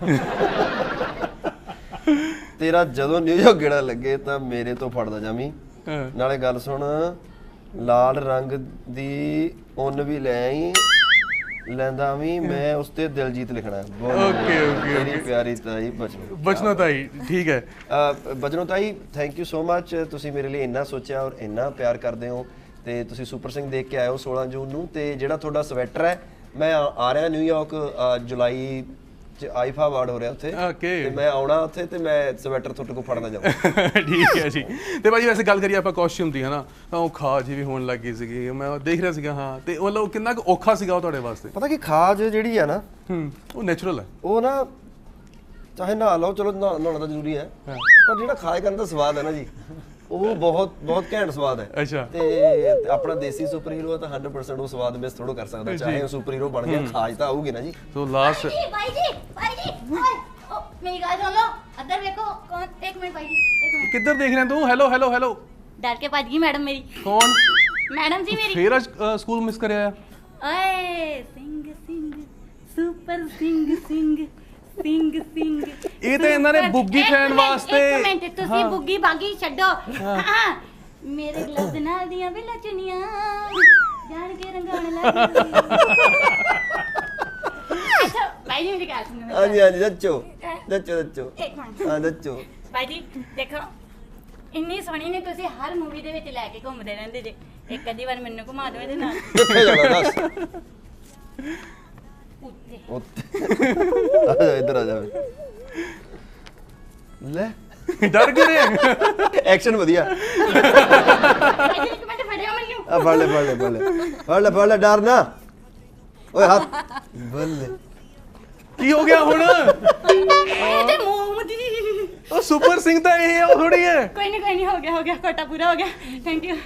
Speaker 4: ਤੇਰਾ ਜਦੋਂ ਨਿਊਯਾਰਕ ਗੇੜਾ ਲੱਗੇ ਤਾਂ ਮੇਰੇ ਤੋਂ ਫੜਦਾ ਜਾਵੀਂ। ਨਾਲੇ ਗੱਲ ਸੁਣ, ਲਾਲ ਰੰਗ ਦੀ ਉੱਨ ਵੀ ਲੈ ਆਈ, ਲੈਂਦਾ ਵੀ ਮੈਂ ਉਸ ਤੇ ਦਿਲਜੀਤ ਲਿਖਣਾ।
Speaker 2: ਓਕੇ ਓਕੇ,
Speaker 4: ਮੇਰੀ ਪਿਆਰੀ ਤਾਈ ਬਚਨੋ।
Speaker 2: ਬਚਨੋ ਤਾਈ, ਠੀਕ ਹੈ।
Speaker 4: ਬਚਨੋ ਤਾਈ, ਥੈਂਕ ਯੂ ਸੋ ਮੱਚ, ਤੁਸੀਂ ਮੇਰੇ ਲਈ ਇੰਨਾ ਸੋਚਿਆ ਔਰ ਇੰਨਾ ਪਿਆਰ ਕਰਦੇ ਹੋ। ਤੇ ਤੁਸੀਂ ਸੁਪਰ ਸਿੰਘ ਦੇਖ ਕੇ ਆਇਓ ਸੋਲਾਂ ਜੂਨ ਨੂੰ, ਤੇ ਜਿਹੜਾ ਤੁਹਾਡਾ ਸਵੈਟਰ ਹੈ, ਮੈਂ ਆ ਰਿਹਾ ਨਿਊਯਾਰਕ ਜੁਲਾਈ ਚ ਆਈਫਾ ਅਵਾਰਡ ਹੋ ਰਿਹਾ ਉੱਥੇ,
Speaker 2: ਓਕੇ,
Speaker 4: ਤੇ ਮੈਂ ਆਉਣਾ ਉੱਥੇ ਤੇ ਮੈਂ ਸਵੈਟਰ ਤੁਹਾਡੇ ਕੋਲ ਫੜਨਾ ਜਾਵਾਂ।
Speaker 2: ਠੀਕ ਹੈ ਜੀ। ਤੇ ਭਾਜੀ ਵੈਸੇ ਗੱਲ ਕਰੀਏ ਆਪਾਂ ਕਾਸਟਿਊਮ ਦੀ, ਹਨਾ, ਤਾਂ ਉਹ ਖਾਜ ਵੀ ਹੋਣ ਲੱਗੀ ਸੀਗੀ, ਮੈਂ ਦੇਖ ਰਿਹਾ ਸੀਗਾ। ਹਾਂ, ਤੇ ਮਤਲਬ ਕਿੰਨਾ ਕੁ ਔਖਾ ਸੀਗਾ ਉਹ ਤੁਹਾਡੇ ਵਾਸਤੇ?
Speaker 4: ਪਤਾ ਕੀ, ਖਾਜ ਜਿਹੜੀ ਆ ਨਾ,
Speaker 2: ਹੂੰ, ਉਹ ਨੈਚੁਰਲ ਹੈ।
Speaker 4: ਉਹ ਨਾ ਚਾਹੇ ਨਹਾ ਲਓ, ਚਲੋ ਨਹਾਉਣਾ ਤਾਂ ਜ਼ਰੂਰੀ ਹੈ, ਪਰ ਜਿਹੜਾ ਖਾਜ ਕਰਨ ਦਾ ਸਵਾਦ ਹੈ ਨਾ ਜੀ, ਉਹ ਬਹੁਤ ਬਹੁਤ ਘੈਂਟ ਸਵਾਦ ਹੈ।
Speaker 2: ਅੱਛਾ।
Speaker 4: ਤੇ ਆਪਣਾ ਦੇਸੀ ਸੁਪਰ ਹੀਰੋ ਤਾਂ ਹੰਡਰਡ ਪਰਸੈਂਟ ਉਹ ਸਵਾਦ ਮਿਸ ਥੋੜੋ ਕਰ ਸਕਦਾ, ਚਾਹੇ ਉਹ ਸੁਪਰ ਹੀਰੋ ਬਣ ਗਿਆ, ਖਾਜ ਤਾਂ ਆਊਗੀ ਨਾ ਜੀ।
Speaker 2: ਸੋ ਲਾਸਟ
Speaker 8: भाई जी भाई जी ओए ओ मेरी गाल सुन लो अदर देखो कौन एक मिनट भाई जी एक मिनट
Speaker 2: ਕਿੱਧਰ ਦੇਖ ਰਿਹਾ ਤੂੰ? ਹੈਲੋ ਹੈਲੋ ਹੈਲੋ,
Speaker 8: ਡਰ ਕੇ ਭੱਜ ਗਈ ਮੈਡਮ ਮੇਰੀ
Speaker 2: ਕੌਣ
Speaker 8: ਮੈਡਮ ਜੀ ਮੇਰੀ
Speaker 2: ਫੇਰ ਅੱਜ ਅ, ਸਕੂਲ ਮਿਸ ਕਰਿਆ ਆ?
Speaker 8: ਓਏ ਸਿੰਘ ਸਿੰਘ ਸੁਪਰ ਸਿੰਘ ਸਿੰਘ ਸਿੰਘ ਸਿੰਘ
Speaker 2: ਇਹ ਤਾਂ ਇਹਨਾਂ ਨੇ
Speaker 8: ਸੁਪਰ-
Speaker 2: ਬੁੱਗੀ
Speaker 8: ਇੱਕ
Speaker 2: fan
Speaker 8: ਮਿੰਟ,
Speaker 2: ਵਾਸਤੇ-
Speaker 8: ਇੱਕ ਮਿੰਟ ਤੁਸੀਂ ਬੁੱਗੀ ਬਾਗੀ ਛੱਡੋ ਹਾਂ ਮੇਰੇ ਗਲਵਜ਼ ਨਾਲ ਦੀਆਂ ਵੀ ਲਚਣੀਆਂ ਜਾਣ ਕੇ ਰੰਗਾਉਣ ਲੱਗੀ ਅੱਛਾ ਭਾਈ ਜੀ ਮੇਰੀ ਗੱਲ ਸੁਣੋ
Speaker 4: ਹਾਂਜੀ ਹਾਂਜੀ ਦੱਚੋ ਦੱਚੋ ਦੱਚੋ
Speaker 8: ਇੱਕ ਮਿੰਟ
Speaker 4: ਹਾਂ ਦੱਚੋ
Speaker 8: ਭਾਈ ਜੀ ਦੇਖੋ ਇੰਨੀ ਸੋਹਣੀ ਨੇ ਤੁਸੀਂ ਹਰ ਮੂਵੀ ਦੇ ਵਿੱਚ ਲੈ ਕੇ ਘੁੰਮਦੇ ਰਹਿੰਦੇ ਜੇ ਇੱਕ ਅੱਧੀ ਵਾਰ ਮੈਨੂੰ ਘੁਮਾ ਦਿਓ ਇਹਦੇ ਨਾਲ
Speaker 4: ਕਿੱਥੇ ਜਾਣਾ ਦੱਸ
Speaker 8: ਉੱਤੇ
Speaker 4: ਉੱਤੇ ਆ ਜਾ ਇੱਧਰ ਆ ਜਾ ਲੈ
Speaker 2: ਡਰ ਗਏ ਨੇ
Speaker 4: ਐਕਸ਼ਨ ਵਧੀਆ
Speaker 8: ਭਾਈ ਜੀ ਇੱਕ ਮਿੰਟ ਫੜਿਓ ਮੈਨੂੰ
Speaker 4: ਆ ਫੜ ਲੈ ਫੜ ਲੈ ਫੜ ਲੈ ਫੜ ਲੈ ਫੜ ਲੈ ਡਰ ਨਾ ਓਏ ਹੱਥ ਬੱਲੇ
Speaker 2: ਕੀ ਹੋ ਗਿਆ ਹੁਣ?
Speaker 8: ਇਹਦੇ ਮੂੰਹ ਦੀ
Speaker 2: ਉਹ ਸੁਪਰ ਸਿੰਘ ਤਾਂ ਇਹ ਹੈ, ਉਹ ਥੋੜੀ ਹੈ।
Speaker 8: ਕੋਈ ਨਹੀਂ ਕੋਈ ਨਹੀਂ ਹੋ ਗਿਆ ਹੋ ਗਿਆ ਕੋਟਾ ਪੂਰਾ ਹੋ ਗਿਆ ਥੈਂਕ ਯੂ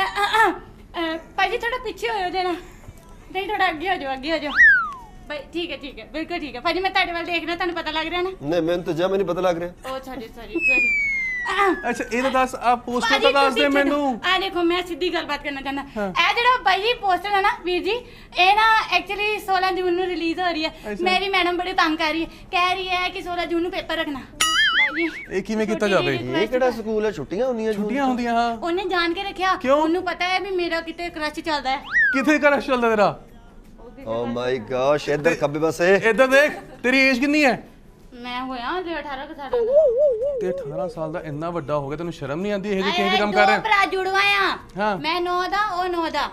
Speaker 8: ਭਾਈ ਜੀ ਥੋੜਾ ਪਿੱਛੇ ਹੋਇਓ ਜਰਾ ਨਹੀਂ ਥੋੜਾ ਅੱਗੇ ਹੋ ਜਾਓ ਅੱਗੇ ਹੋ ਜਾਓ ਭਾਈ ਠੀਕ ਹੈ ਠੀਕ ਹੈ ਬਿਲਕੁਲ ਠੀਕ ਹੈ ਭਾਜੀ ਮੈਂ ਤੁਹਾਡੇ ਵੱਲ ਦੇਖ ਰਿਹਾ ਤੁਹਾਨੂੰ ਪਤਾ ਲੱਗ ਰਿਹਾ ਨਾ
Speaker 4: ਨਹੀਂ ਮੈਨੂੰ ਤਾਂ ਜਮਾ ਨਹੀਂ ਪਤਾ ਲੱਗ ਰਿਹਾ
Speaker 8: ਉਹ ਸੌਰੀ ਸੌਰੀ ਸੌਰੀ
Speaker 2: ਅੱਛਾ ਇਹ ਤਾਂ ਦੱਸ ਆ ਪੋਸਟਰ ਤਾਂ ਦੱਸ ਦੇ ਮੈਨੂੰ।
Speaker 8: ਆ ਦੇਖੋ ਮੈਂ ਸਿੱਧੀ ਗੱਲਬਾਤ ਕਰਨਾ ਚਾਹੁੰਦਾ ਇਹ ਜਿਹੜਾ ਭਾਈ ਜੀ ਪੋਸਟਰ ਹੈ ਨਾ ਵੀਰ ਜੀ ਇਹ ਨਾ ਐਕਚੁਅਲੀ ਸੋਲਾਂ ਜੂਨ ਨੂੰ ਰਿਲੀਜ਼ ਹੋ ਰਹੀ ਹੈ ਮੇਰੀ ਮੈਡਮ ਬੜੇ ਤੰਗ ਕਰ ਰਹੀ ਹੈ ਕਹਿ ਰਹੀ ਹੈ ਕਿ ਸੋਲਾਂ ਜੂਨ ਨੂੰ ਪੇਪਰ ਰੱਖਣਾ ਭਾਈ ਜੀ
Speaker 2: ਇਹ ਕਿਵੇਂ ਕੀਤਾ ਜਾਵੇ?
Speaker 4: ਇਹ ਕਿਹੜਾ ਸਕੂਲ ਹੈ ਛੁੱਟੀਆਂ ਹੁੰਦੀਆਂ ਜੂਨ
Speaker 2: ਛੁੱਟੀਆਂ ਹੁੰਦੀਆਂ ਹਾਂ
Speaker 8: ਉਹਨੇ ਜਾਣ ਕੇ ਰੱਖਿਆ
Speaker 2: ਕਿਉਂ?
Speaker 8: ਉਹਨੂੰ ਪਤਾ ਹੈ ਵੀ ਮੇਰਾ ਕਿਤੇ ਕ੍ਰਸ਼ ਚੱਲਦਾ ਹੈ
Speaker 2: ਕਿੱਥੇ ਕਰਸ਼ ਚੱਲਦਾ ਤੇਰਾ?
Speaker 4: ਓ ਮਾਈ ਗॉश ਇੱਧਰ ਖੱਬੇ ਪਾਸੇ
Speaker 2: ਇੱਧਰ ਦੇਖ ਤੇਰੀ ਏਜ ਕਿੰਨੀ ਹੈ?
Speaker 8: ਮੈਂ ਹੋਇਆ ਹਲੇ ਅਠਾਰਾਂ ਕੁ ਸਾਲਾਂ ਦਾ
Speaker 2: ਤੇ ਅਠਾਰਾਂ ਸਾਲ ਦਾ ਇੰਨਾ ਵੱਡਾ ਹੋ ਗਿਆ ਤੈਨੂੰ ਸ਼ਰਮ ਨਹੀਂ ਆਉਂਦੀ ਇਹ ਜਿਹੇ ਕਿਹੋ ਜਿਹੇ
Speaker 8: ਆਏ,
Speaker 2: ਕੰਮ
Speaker 8: ਦੋ
Speaker 2: ਕਰ ਰਿਹਾ?
Speaker 8: ਭਰਾ ਜੁੜਵਾ ਆ
Speaker 2: ਹਾਂ।
Speaker 8: ਮੈਂ ਨੌ ਦਾ ਉਹ ਨੌ ਦਾ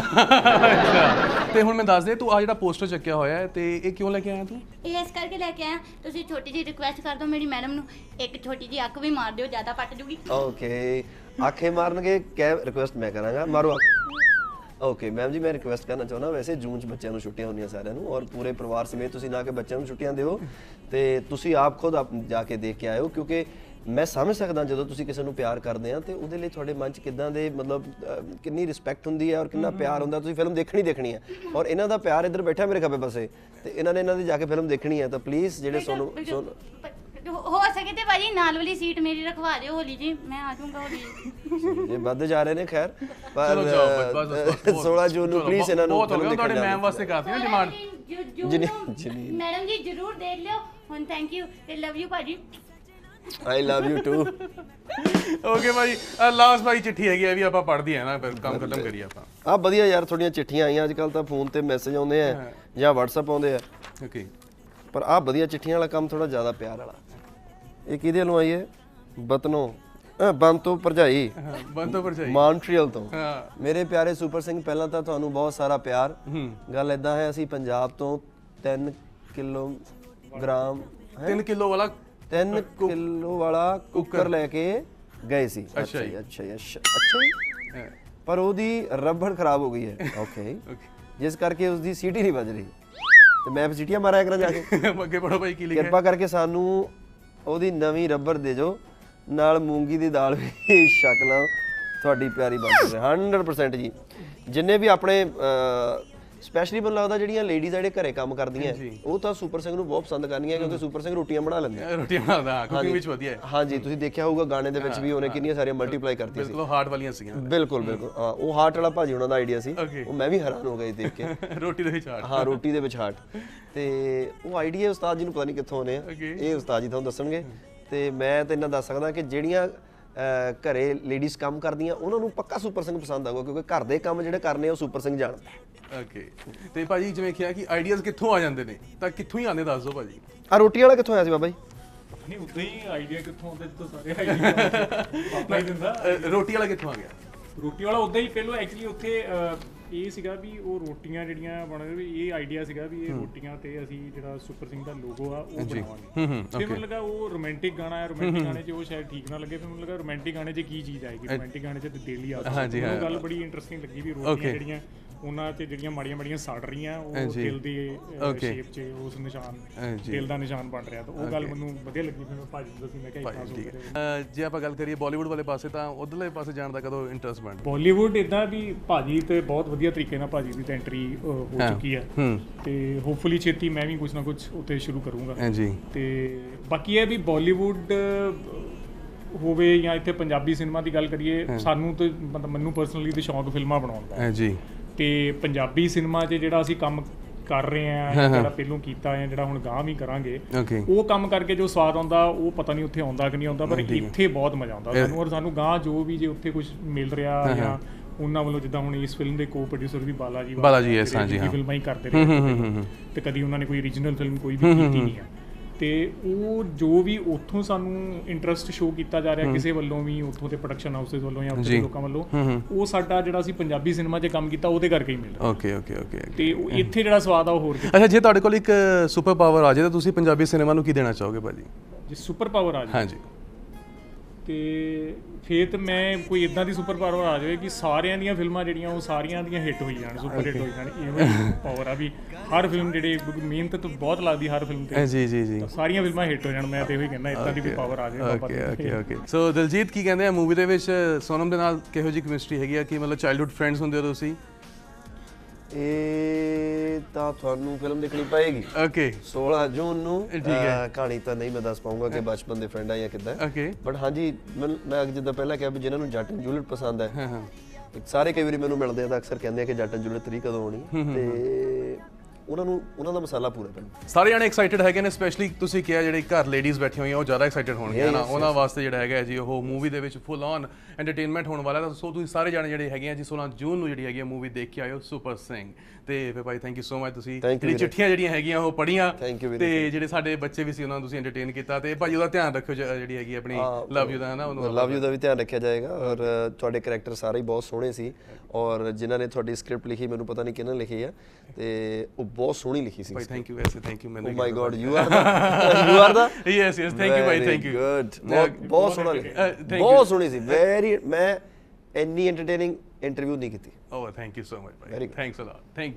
Speaker 2: ਅੱਛਾ ਤੇ ਹੁਣ ਮੈਂ ਦੱਸ ਦੇ ਤੂੰ ਆ ਜਿਹੜਾ ਪੋਸਟਰ ਚੱਕਿਆ ਹੋਇਆ ਹੈ ਤੇ ਇਹ ਕਿਉਂ ਲੈ ਕੇ ਆਇਆ ਤੂੰ?
Speaker 8: ਇਹ ਇਸ ਕਰਕੇ ਲੈ ਕੇ ਆਇਆ ਤੁਸੀਂ ਛੋਟੀ ਜਿਹੀ ਰਿਕੁਐਸਟ ਕਰ ਦਿਓ ਮੇਰੀ ਮੈਡਮ ਨੂੰ ਇੱਕ ਛੋਟੀ ਜਿਹੀ ਅੱਖ ਵੀ ਮਾਰ ਦਿਓ ਜ਼ਿਆਦਾ ਪੱਟ ਜੂਗੀ
Speaker 4: ਓਕੇ ਆਖੇ ਮਾਰਨਗੇ ਕੈ ਰਿਕੁਐਸਟ ਮੈਂ ਕਰਾਂਗਾ ਮਾਰੋ ਅੱਖ ਓਕੇ ਮੈਮ ਜੀ ਮੈਂ ਰਿਕੁਐਸਟ ਕਰਨਾ ਚਾਹੁੰਦਾ ਵੈਸੇ ਜੂਨ ਚ ਬੱਚਿਆਂ ਨੂੰ ਛੁੱਟੀਆਂ ਹੁੰਦੀਆਂ ਸਾਰਿਆਂ ਨੂੰ ਔਰ ਪੂਰੇ ਪਰਿਵਾਰ ਸਮੇਤ ਤੁਸੀਂ ਨਾ ਕਿ ਬੱਚਿਆਂ ਨੂੰ ਛੁੱਟੀਆਂ ਦਿਓ ਤੇ ਤੁਸੀਂ ਆਪ ਖੁਦ ਆਪ ਜਾ ਕੇ ਦੇਖ ਕੇ ਆਇਓ ਕਿਉਂਕਿ ਮੈਂ ਸਮਝ ਸਕਦਾ ਜਦੋਂ ਤੁਸੀਂ ਕਿਸੇ ਨੂੰ ਪਿਆਰ ਕਰਦੇ ਆ ਤੇ ਉਹਦੇ ਲਈ ਤੁਹਾਡੇ ਮਨ ਚ ਕਿੱਦਾਂ ਦੇ ਮਤਲਬ ਅਹ, ਕਿੰਨੀ ਰਿਸਪੈਕਟ ਹੁੰਦੀ ਹੈ ਔਰ ਕਿੰਨਾ ਪਿਆਰ ਹੁੰਦਾ ਤੁਸੀਂ ਫਿਲਮ ਦੇਖਣੀ ਦੇਖਣੀ ਹੈ ਔਰ ਇਹਨਾਂ ਦਾ ਪਿਆਰ ਇੱਧਰ ਬੈਠਾ ਮੇਰੇ ਖੱਬੇ ਪਾਸੇ ਤੇ ਇਹਨਾਂ ਨੇ ਇਹਨਾਂ ਦੀ ਜਾ ਕੇ ਫਿਲਮ ਦੇਖਣੀ ਹੈ ਤਾਂ ਪਲੀਜ਼ ਜਿਹੜੇ ਸੋਨੂੰ ਸੋਨੂੰ
Speaker 8: ਹੋ ਸਕੇ ਤੇ ਭਾਜੀ ਨਾਲ ਵਾਲੀ ਸੀਟ ਮੇਰੀ ਰਖਵਾ ਦਿਓ ਹੋਲੀ ਜੀ ਮੈਂ ਆ ਜਾਊਂਗਾ ਹੋਲੀ
Speaker 4: ਇਹ ਵੱਧ ਜਾ ਰਹੇ ਨੇ ਖੈਰ ਪਰ
Speaker 2: ਚਲੋ ਜਾਓ ਬਸ ਬਸ ਬਸ, ਬਸ
Speaker 4: ਸੋਲਾਂ ਜੂਨ ਨੂੰ ਪਲੀਜ਼ ਇਹਨਾਂ ਨੂੰ
Speaker 2: ਬਹੁਤ ਹੋ
Speaker 4: ਫਿਲਮ
Speaker 2: ਗਿਆ
Speaker 4: ਦੇਖਣ
Speaker 2: ਤੁਹਾਡੇ ਮੈਮ
Speaker 4: ਜਾਓ
Speaker 2: ਵਾਸਤੇ ਕਾਫੀ ਨਾ ਡਿਮਾਂਡ।
Speaker 4: ਜਿਨੀ-
Speaker 8: ਮੈਡਮ ਜੀ ਜਰੂਰ ਦੇਖ ਲਿਓ ਹੁਣ ਥੈਂਕ ਯੂ ਤੇ ਲਵ ਯੂ ਭਾਜੀ
Speaker 4: I love you too
Speaker 2: okay ਭਾਈ ਲਾਸਟ ਭਾਈ ਚਿੱਠੀ ਹੈਗੀ ਆ ਵੀ ਆਪਾਂ ਪੜ੍ਹਦੀ ਹੈ ਨਾ ਫਿਰ ਕੰਮ ਖਤਮ ਕਰੀਏ ਆਪਾਂ।
Speaker 4: ਆ ਵਧੀਆ ਯਾਰ ਤੁਹਾਡੀਆਂ ਚਿੱਠੀਆਂ ਆਈਆਂ ਅੱਜ ਕੱਲ ਤਾਂ ਫੋਨ ਤੇ ਮੈਸੇਜ ਆਉਂਦੇ ਆ ਜਾਂ WhatsApp ਆਉਂਦੇ ਆ
Speaker 2: ਓਕੇ
Speaker 4: ਪਰ ਆ ਵਧੀਆ ਚਿੱਠੀਆਂ ਵਾਲਾ ਕੰਮ ਥੋੜਾ ਜ਼ਿਆਦਾ ਪਿਆਰ ਵਾਲਾ ਇਹ ਕਿਹਦੇ ਵੱਲੋਂ ਆਈ ਹੈ ਬਤਨੋਂ ਅ, ਬੰਦ ਤੋਂ ਭਰਜਾਈ
Speaker 2: ਹਾਂ ਬੰਦ ਤੋਂ ਪਰਚਾਈ
Speaker 4: ਮੌਂਟਰੀਅਲ ਤੋਂ
Speaker 2: ਹਾਂ
Speaker 4: ਮੇਰੇ ਪਿਆਰੇ ਸੁਪਰ ਸਿੰਘ ਪਹਿਲਾਂ ਤਾਂ ਤੁਹਾਨੂੰ ਬਹੁਤ ਸਾਰਾ ਪਿਆਰ ਗੱਲ ਇਦਾਂ ਹੈ ਅਸੀਂ ਪੰਜਾਬ ਤੋਂ ਤਿੰਨ ਕਿਲੋਗ੍ਰਾਮ
Speaker 2: ਤਿੰਨ ਕਿਲੋ ਵਾਲਾ
Speaker 4: ਤਿੰਨ ਕਿਲੋ ਵਾਲਾ ਕੁੱਕਰ ਲੈ ਕੇ ਗਏ ਸੀ
Speaker 2: ਅੱਛਾ ਜੀ।
Speaker 4: ਅੱਛਾ ਜੀ, ਅੱਛਾ ਅੱਛਾ ਜੀ।
Speaker 2: ਹਾਂ,
Speaker 4: ਪਰ ਉਹਦੀ ਰਬੜ ਖਰਾਬ ਹੋ ਗਈ ਹੈ ਓਕੇ
Speaker 2: ਓਕੇ
Speaker 4: ਜਿਸ ਕਰਕੇ ਉਸਦੀ ਸੀਟੀ ਨਹੀਂ ਵੱਜ ਰਹੀ ਤੇ ਮੈਂ ਫਿਰ ਸੀਟੀਆਂ ਮਾਰਿਆ ਕਰਾਂ ਜਾ ਕੇ
Speaker 2: ਅੱਗੇ ਪੜੋ ਭਾਈ ਕੀ ਲਿਖਿਆ
Speaker 4: ਕਿਰਪਾ ਕਰਕੇ ਸਾਨੂੰ ਉਹਦੀ ਨਵੀਂ ਰਬੜ ਦੇ ਜੋ ਨਾਲ ਮੂੰਗੀ ਦੀ ਦਾਲ ਵੀ ਛਕ ਲਓ ਤੁਹਾਡੀ ਪਿਆਰੀ ਬਾਤ ਹੈ ਹੰਡਰਡ ਪਰਸੈਂਟ ਜੀ ਜਿੰਨੇ ਵੀ ਆਪਣੇ ਸਪੈਸ਼ਲੀ ਮੈਨੂੰ ਲੱਗਦਾ ਜਿਹੜੀਆਂ ਲੇਡੀਜ਼ ਜਿਹੜੇ ਘਰੇ ਕੰਮ ਕਰਦੀਆਂ ਉਹ ਤਾਂ ਸੁਪਰ ਸਿੰਘ ਨੂੰ ਬਹੁਤ ਪਸੰਦ ਕਰਨੀਆਂ ਕਿਉਂਕਿ ਸੁਪਰ ਸਿੰਘ ਰੋਟੀਆਂ ਬਣਾ ਲੈਂਦੇ ਆ
Speaker 2: ਰੋਟੀ ਬਣਾਉਂਦਾ ਕੁਕਿੰਗ ਵਿੱਚ ਵਧੀਆ ਹੈ
Speaker 4: ਹਾਂਜੀ ਤੁਸੀਂ ਦੇਖਿਆ ਹੋਊਗਾ ਗਾਣੇ ਦੇ ਵਿੱਚ ਵੀ ਉਹਨੇ ਕਿੰਨੀਆਂ ਸਾਰੀਆਂ ਮਲਟੀਪਲਾਈ ਕਰਤੀ ਸੀ
Speaker 2: ਬਿਲਕੁਲ ਹਾਰਟ ਵਾਲੀਆਂ ਸੀਗੀਆਂ
Speaker 4: ਬਿਲਕੁਲ ਬਿਲਕੁਲ ਹਾਂ ਉਹ ਹਾਰਟ ਵਾਲਾ ਭਾਜੀ ਉਹਨਾਂ ਦਾ ਆਈਡੀਆ ਸੀ
Speaker 2: Okay.
Speaker 4: ਉਹ ਮੈਂ ਵੀ ਹੈਰਾਨ ਹੋ ਗਿਆ ਦੇਖ ਕੇ
Speaker 2: ਰੋਟੀ ਦੇ ਵਿੱਚ ਹਾਰਟ
Speaker 4: ਹਾਂ ਰੋਟੀ ਦੇ ਵਿੱਚ ਹਾਰਟ ਤੇ ਉਹ ਆਈਡੀਆ ਉਸਤਾਦ ਜੀ ਨੂੰ ਪਤਾ ਨਹੀਂ ਕਿੱਥੋਂ ਆਨੇ ਆ
Speaker 2: Okay.
Speaker 4: ਇਹ ਉਸਤਾਦ ਜੀ ਤੁਹਾਨੂੰ ਦੱਸਣਗੇ ਤੇ ਮੈਂ ਤਾਂ ਇਹਨਾਂ ਦੱਸ ਸਕਦਾ ਕਿ ਜਿਹੜੀਆਂ ਅਹ, ਘਰੇ ਲੇਡੀਜ਼ ਕੰਮ ਕਰਦੀਆਂ ਉਹਨਾਂ ਨੂੰ ਪੱਕਾ ਸੁਪਰ ਸਿੰਘ ਪਸੰਦ ਆਊਗਾ ਕਿਉਂਕਿ ਘਰ ਦੇ ਕੰਮ ਜਿਹੜੇ ਕਰਨੇ ਉਹ ਸੁਪਰ ਸਿੰਘ ਜਾਣਦਾ
Speaker 2: ਓਕੇ ਤੇ ਭਾਜੀ ਜਿਵੇਂ ਕਿਹਾ ਕਿ ਆਈਡੀਆਜ਼ ਕਿੱਥੋਂ ਆ ਜਾਂਦੇ ਨੇ ਤਾਂ ਕਿੱਥੋਂ ਹੀ ਆਉਂਦੇ ਦੱਸ ਦਿਓ ਭਾਜੀ।
Speaker 4: ਆ ਰੋਟੀ ਵਾਲਾ ਕਿੱਥੋਂ ਆਇਆ ਸੀ ਬਾਬਾ ਜੀ
Speaker 7: ਨਹੀਂ ਉਦਾਂ ਹੀ ਆਈਡੀਆ ਕਿੱਥੋਂ ਆਉਂਦਾ ਜਿੱਥੋਂ ਸਾਰੇ ਆਈਡੀਆ ਪਾਪਾ ਹੀ ਦਿੰਦਾ
Speaker 2: ਅ, ਰੋਟੀ ਵਾਲਾ ਕਿੱਥੋਂ ਆ ਗਿਆ?
Speaker 7: ਰੋਟੀ ਵਾਲਾ ਉਦਾਂ ਹੀ ਪਹਿਲਾਂ ਐਕਚੁਅਲੀ ਉੱਥੇ ਅਹ, ਇਹ ਸੀਗਾ ਵੀ ਉਹ ਰੋਟੀਆਂ ਜਿਹੜੀਆਂ ਬਣ ਵੀ ਇਹ ਆਈਡੀਆ ਸੀਗਾ ਵੀ ਇਹ ਰੋਟੀਆਂ ਤੇ ਅਸੀਂ ਜਿਹੜਾ ਸੁਪਰ ਸਿੰਘ ਦਾ ਲੋਗੋ ਆ ਉਹ ਬਣਾਵਾਂਗੇ ਫਿਰ ਮੈਨੂੰ ਲੱਗਾ ਉਹ ਰੋਮਾਂਟਿਕ ਗਾਣਾ ਹੈ ਰੋਮਾਂਟਿਕ ਗਾਣੇ 'ਚ ਉਹ ਸ਼ਾਇਦ ਠੀਕ ਨਾ ਲੱਗੇ ਫਿਰ ਮੈਨੂੰ ਲੱਗਾ ਰੋਮਾਂਟਿਕ ਗਾਣੇ 'ਚ ਕੀ ਚੀਜ਼ ਆਏਗੀ ਰੋਮਾਂਟਿਕ ਗਾਣੇ 'ਚ ਤੇ ਦਿਲ ਹੀ ਆਉਂਦਾ
Speaker 2: ਹਾਂਜੀ, ਹਾਂ।
Speaker 7: ਉਹ ਗੱਲ ਬੜੀ ਇੰਟਰਸਟਿੰਗ ਲੱਗੀ ਵੀ ਰੋਟੀਆਂ ਜਿਹੜੀਆਂ ਉਹਨਾਂ ਤੇ ਜਿਹੜੀਆਂ ਮਾੜੀਆਂ ਮਾੜੀਆਂ ਸੜ ਰਹੀਆਂ ਉਹ ਦਿਲ ਦੀ ਸ਼ੇਪ 'ਚ ਉਸ ਨਿਸ਼ਾਨ ਦਿਲ ਦਾ ਨਿਸ਼ਾਨ ਬਣ ਰਿਹਾ ਤਾਂ ਉਹ ਗੱਲ ਮੈਨੂੰ ਵਧੀਆ ਲੱਗੀ ਫਿਰ ਮੈਂ ਭਾਜੀ ਨੂੰ ਦੱਸੀ ਮੈਂ ਕਿਹਾ ਇਤਨਾ ਸੋਚ ਰਿਹਾ
Speaker 2: ਅ, ਜੇ ਆਪਾਂ ਗੱਲ ਕਰੀਏ ਬਾਲੀਵੁੱਡ ਵਾਲੇ ਪਾਸੇ ਤਾਂ ਉਧਰਲੇ ਪਾਸੇ ਜਾਣ ਦਾ ਕਦੋਂ ਇੰਟਰਸਟ ਬਣਦਾ?
Speaker 7: ਬਾਲੀਵੁੱਡ ਇਦਾਂ ਵੀ ਭਾਜੀ ਤੇ ਬਹੁਤ ਵਧੀਆ ਤਰੀਕੇ ਨਾਲ ਭਾਜੀ ਦੀ ਤਾਂ ਐਂਟਰੀ ਹੋ ਚੁੱਕੀ ਹੈ ਤੇ ਹੋਪਫੁਲੀ ਛੇਤੀ ਮੈਂ ਵੀ ਕੁਝ ਨਾ ਕੁਝ ਉੱਥੇ ਸ਼ੁਰੂ ਕਰੂੰਗਾ
Speaker 2: ਹਾਂਜੀ
Speaker 7: ਤੇ ਬਾਕੀ ਇਹ ਵੀ ਬਾਲੀਵੁੱਡ ਹੋਵੇ ਜਾਂ ਇੱਥੇ ਪੰਜਾਬੀ ਸਿਨੇਮਾ ਦੀ ਗੱਲ ਕਰੀਏ, ਸਾਨੂੰ ਤੇ ਮਤਲਬ ਮੈਨੂੰ ਪਰਸਨਲੀ ਤੇ ਸ਼ੌਂਕ ਫਿਲਮਾਂ ਬਣਾਉਣ ਦਾ
Speaker 2: ਹਾਂ ਜੀ।
Speaker 7: ਤੇ ਪੰਜਾਬੀ ਸਿਨੇਮਾ 'ਚ ਜਿਹੜਾ ਅਸੀਂ ਕੰਮ ਕਰ ਰਹੇ ਆ, ਜਿਹੜਾ ਪਹਿਲੋਂ ਕੀਤਾ ਹੈ, ਜਿਹੜਾ ਹੁਣ ਗਾਂ ਵੀ ਕਰਾਂਗੇ,
Speaker 2: ਓਕੇ
Speaker 7: ਉਹ ਕੰਮ ਕਰਕੇ ਜੋ ਸਵਾਦ ਆਉਂਦਾ ਉਹ ਪਤਾ ਨਹੀਂ ਉੱਥੇ ਆਉਂਦਾ ਕਿ ਨਹੀਂ ਆਉਂਦਾ, ਪਰ ਇੱਥੇ ਬਹੁਤ ਮਜ਼ਾ ਆਉਂਦਾ ਸਾਨੂੰ। ਔਰ ਸਾਨੂੰ ਗਾਂ ਜੋ ਵੀ ਜੇ ਉੱਥੇ ਕੁਝ ਮਿਲ ਰਿਹਾ ਜਾਂ ਉਹਨਾਂ ਵੱਲੋਂ, ਜਿੱਦਾਂ ਹੁਣ ਇਸ ਫਿਲਮ ਦੇ ਕੋ ਪ੍ਰੋਡਿਊਸਰ ਵੀ ਬਾਲਾ ਜੀ
Speaker 2: ਬਾਲਾ ਜੀ ਐਸ, ਹਾਂ ਜੀ, ਹਾਂ,
Speaker 7: ਫਿਲਮਾਂ ਹੀ ਕਰਦੇ ਰਹੇ ਤੇ ਕਦੀ ਉਹਨਾਂ ਨੇ ਕੋਈ ਓਰੀਜਨਲ ਫਿਲਮ ਕੋਈ ਵੀ ਕੀਤੀ ਨਹੀਂ ਹੈ। ਤੇ ਉਹ ਜੋ ਵੀ ਉੱਥੋਂ ਸਾਨੂੰ ਇੰਟਰਸਟ ਸ਼ੋ ਕੀਤਾ ਜਾ ਰਿਹਾ ਕਿਸੇ ਵੱਲੋਂ ਵੀ, ਉੱਥੋਂ ਦੇ ਪ੍ਰੋਡਕਸ਼ਨ ਹਾਊਸਸ ਵੱਲੋਂ ਜਾਂ ਉੱਥੇ ਦੇ ਲੋਕਾਂ ਵੱਲੋਂ, ਉਹ ਸਾਡਾ ਜਿਹੜਾ ਅਸੀਂ ਪੰਜਾਬੀ ਸਿਨੇਮਾ 'ਚ ਕੰਮ ਕੀਤਾ ਉਹਦੇ ਕਰਕੇ ਹੀ ਮਿਲ ਰਿਹਾ।
Speaker 2: ਓਕੇ ਓਕੇ ਓਕੇ
Speaker 7: ਤੇ ਉਹ ਇੱਥੇ ਜਿਹੜਾ ਸਵਾਦ ਆ ਉਹ ਹੋਰ
Speaker 2: ਅੱਛਾ, ਜੇ ਤੁਹਾਡੇ ਕੋਲ ਇੱਕ ਸੁਪਰ ਪਾਵਰ ਆ ਜਾਏ ਤਾਂ ਤੁਸੀਂ ਪੰਜਾਬੀ ਸਿਨੇਮਾ ਨੂੰ ਕੀ ਦੇਣਾ ਚਾਹੋਗੇ ਭਾਜੀ?
Speaker 7: ਜੇ ਸੁਪਰ ਪਾਵਰ ਆ ਜਾਏ
Speaker 2: ਹਾਂਜੀ,
Speaker 7: ਤੇ ਫੇਰ ਤੇ ਮੈਂ ਕੋਈ ਇਦਾਂ ਦੀ ਸੁਪਰ ਪਾਵਰ ਆ ਜਾਵੇ ਕਿ ਸਾਰਿਆਂ ਦੀਆਂ ਫਿਲਮਾਂ ਜਿਹੜੀਆਂ ਉਹ ਸਾਰੀਆਂ ਦੀਆਂ ਹਿੱਟ ਹੋਈ ਜਾਣ, ਸੁਪਰ ਹਿੱਟ ਹੋਈ ਜਾਣ। ਇਹ ਪਾਵਰ ਆ ਵੀ ਹਰ ਫਿਲਮ ਜਿਹੜੇ ਮਿਹਨਤ ਤਾਂ ਬਹੁਤ ਲੱਗਦੀ ਹਰ ਫਿਲਮ ਤੇ,
Speaker 2: ਜੀ ਜੀ ਜੀ,
Speaker 7: ਸਾਰੀਆਂ ਫਿਲਮਾਂ ਹਿੱਟ ਹੋ ਜਾਣ। ਮੈਂ ਤੇ ਇਹੋ ਹੀ ਕਹਿੰਦਾ ਇਦਾਂ ਦੀ ਕੋਈ ਪਾਵਰ ਆ ਜਾਵੇ।
Speaker 2: Okay okay okay so Diljit ਕੀ ਕਹਿੰਦੇ ਆ ਮੂਵੀ ਦੇ ਵਿੱਚ ਸੋਨਮ ਦੇ ਨਾਲ ਕਿਹੋ ਜਿਹੀ ਕੈਮਿਸਟਰੀ ਹੈਗੀ ਆ? ਕਿ ਮਤਲਬ ਚਾਈਲਡਹੁੱਡ ਫਰੈਂਡਸ ਹੁੰਦੇ ਹੋ ਤੁਸੀਂ?
Speaker 4: ਇਹ ਤਾਂ ਤੁਹਾਨੂੰ ਫਿਲਮ ਦੇਖਣੀ ਪਏਗੀ
Speaker 2: ਓਕੇ
Speaker 4: ਸੋਲਾਂ ਜੂਨ ਨੂੰ।
Speaker 2: ਠੀਕ ਹੈ।
Speaker 4: ਕਹਾਣੀ ਤਾਂ ਨਹੀਂ ਮੈਂ ਦੱਸ ਪਾਉਂਗਾ ਕਿ ਬਚਪਨ ਦੇ ਫਰੈਂਡ ਆ ਜਾਂ ਕਿੱਦਾਂ,
Speaker 2: ਓਕੇ
Speaker 4: ਬਟ ਹਾਂਜੀ ਮੈਨੂੰ- ਮੈਂ ਜਿੱਦਾਂ ਪਹਿਲਾਂ ਕਿਹਾ ਵੀ ਜਿਨ੍ਹਾਂ ਨੂੰ ਜੱਟ ਐਂਡ ਜੂਲੀਅਟ ਪਸੰਦ ਹੈ,
Speaker 2: ਹਾਂ ਹਾਂ,
Speaker 4: ਸਾਰੇ ਕਈ ਵਾਰੀ ਮੈਨੂੰ ਮਿਲਦੇ ਆ ਤਾਂ ਅਕਸਰ ਕਹਿੰਦੇ ਆ ਕਿ ਜੱਟ ਐਂਡ ਜੂਲੀਅਟ ਥ੍ਰੀ ਕਦੋਂ ਆਉਣੀ, ਤੇ ਉਹਨਾਂ ਨੂੰ ਉਹਨਾਂ ਦਾ ਮਸਾਲਾ ਪੂਰਾ ਪੈਣਾ।
Speaker 2: ਸਾਰੇ ਜਾਣੇ ਐਕਸਾਈਟਡ ਹੈਗੇ ਨੇ, ਸਪੈਸ਼ਲੀ ਤੁਸੀਂ ਕਿਹਾ ਜਿਹੜੇ ਘਰ ਲੇਡੀਜ਼ ਬੈਠੀਆਂ ਹੋਈਆਂ ਉਹ ਜ਼ਿਆਦਾ ਐਕਸਾਈਟਡ ਹੋਣਗੇ ਨਾ, ਉਹਨਾਂ ਵਾਸਤੇ ਜਿਹੜਾ ਹੈਗਾ ਜੀ ਉਹ ਮੂਵੀ ਦੇ ਵਿੱਚ ਫੁੱਲ ਔਨ ਐਂਟਰਟੇਨਮੈਂਟ ਹੋਣ ਵਾਲਾ। ਤਾਂ ਸੋ ਤੁਸੀਂ ਸਾਰੇ ਜਾਣੇ ਜਿਹੜੇ ਹੈਗੇ ਆ ਜੀ ਸੋਲਾਂ ਜੂਨ ਨੂੰ ਜਿਹੜੀ ਹੈਗੀ ਆ ਮੂਵੀ ਦੇਖ ਕੇ ਆਇਓ ਸੁਪਰ ਸਿੰਘ। ਤੇ ਫਿਰ ਭਾਈ ਥੈਂਕ ਯੂ ਸੋ ਮਚ, ਤੁਸੀਂ ਜਿਹੜੀ ਚਿੱਠੀਆਂ ਜਿਹੜੀਆਂ ਹੈਗੀਆਂ ਉਹ ਪੜ੍ਹੀਆਂ ਤੇ ਜਿਹੜੇ ਸਾਡੇ ਬੱਚੇ ਵੀ ਸੀ ਉਹਨਾਂ ਨੂੰ ਤੁਸੀਂ ਐਂਟਰਟੇਨ ਕੀਤਾ। ਤੇ ਭਾਜੀ ਉਹਦਾ ਧਿਆਨ ਰੱਖਿਓ ਜਿਹੜੀ ਹੈਗੀ ਆਪਣੀ ਲਵ ਯੂ ਦਾ, ਹੈ ਨਾ, ਉਹਨੂੰ
Speaker 4: ਲਵ ਯੂ ਦਾ ਵੀ ਧਿਆਨ ਰੱਖਿਆ ਜਾਏਗਾ। ਔਰ ਤੁਹਾਡੇ ਕਰੈਕਟਰ ਸਾਰੇ ਹੀ ਬਹੁਤ ਸੋਹਣੇ ਸੀ, ਔਰ ਜਿਨ੍ਹਾਂ ਨੇ ਤੁਹਾਡੀ ਸਕ੍ਰਿਪਟ ਲਿਖੀ ਮੈਨੂੰ ਪਤਾ ਨਹੀਂ ਕਿਹਨਾਂ ਲਿਖੀ ਆ, ਤੇ ਉਹ ਬਹੁਤ ਸੋਹਣੀ ਲਿਖੀ ਸੀ।
Speaker 2: ਭਾਈ ਥੈਂਕ ਯੂ ਵੈਸੇ, ਥੈਂਕ ਯੂ ਮੈਨੂੰ।
Speaker 4: Oh my God you are the you are the
Speaker 2: yes yes thank you ਭਾਈ, ਥੈਂਕ ਯੂ।
Speaker 4: ਗੁੱਡ, ਬਹੁਤ ਬਹੁਤ ਸੋਹਣਾ ਲਿਖਿਆ, ਬਹੁਤ ਸੋਹਣੀ ਸੀ, ਵੈਰੀ। ਮੈਂ ਇੰਨੀ ਐਂਟਰਟੇਨਿੰਗ ਇੰਟਰਵਿਊ ਨਹੀਂ ਕੀਤੀ।
Speaker 2: Oh thank you so much ਭਾਈ, ਥੈਂਕਸ ਅ ਲੋਟ, ਥੈਂਕ